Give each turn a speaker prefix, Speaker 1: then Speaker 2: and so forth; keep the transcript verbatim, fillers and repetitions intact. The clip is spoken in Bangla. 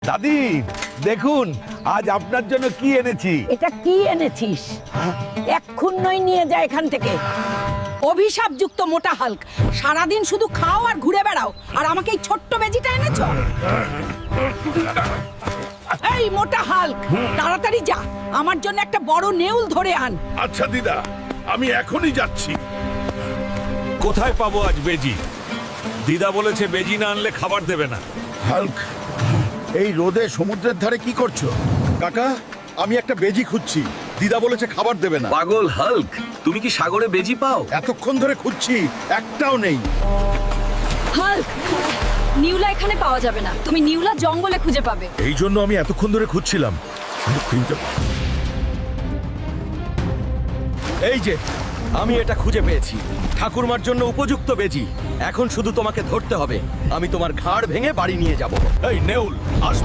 Speaker 1: দাদি দেখুন আজ আপনার জন্য কি এনেছি।
Speaker 2: এটা কি এনেছিস? এক্ষুন্নই নিয়ে যা এখান থেকে। অভিশাপযুক্ত মোটা হাল্ক, সারাদিন শুধু খাও আর ঘুরে বেড়াও, আর আমাকে এই ছোট্ট বেজিটা এনেছো। এই মোটা হাল্ক, তাড়াতাড়ি যা, আমার জন্য একটা বড় নেউল ধরে আন।
Speaker 3: আচ্ছা দিদা, আমি এখনই যাচ্ছি।
Speaker 4: কোথায় পাবো আজ বেজি? দিদা বলেছে বেজি না আনলে খাবার দেবে না।
Speaker 3: হাল্ক, এই রোদে সমুদ্রের ধারে কি করছো?
Speaker 5: কাকা, আমি একটা বেজি খুঁজছি, দিদা বলেছে খাবার দেবে না।
Speaker 6: পাগল হাল্ক, তুমি কি সাগরে বেজি পাও?
Speaker 5: এতক্ষণ ধরে খুঁজছি, একটাও নেই।
Speaker 7: হাল্ক, নিউলা এখানে পাওয়া যাবে না, তুমি নিউলা জঙ্গলে খুঁজে পাবে।
Speaker 3: এই জন্য আমি এতক্ষণ ধরে খুঁজছিলাম।
Speaker 8: এই যে, আমি এটা খুঁজে পেয়েছি, ঠাকুরমার জন্য উপযুক্ত বেজি। এখন শুধু তোমাকে ধরতে হবে, আমি তোমার ঘাড় ভেঙে বাড়ি নিয়ে যাব।
Speaker 4: এই নেউল, আজ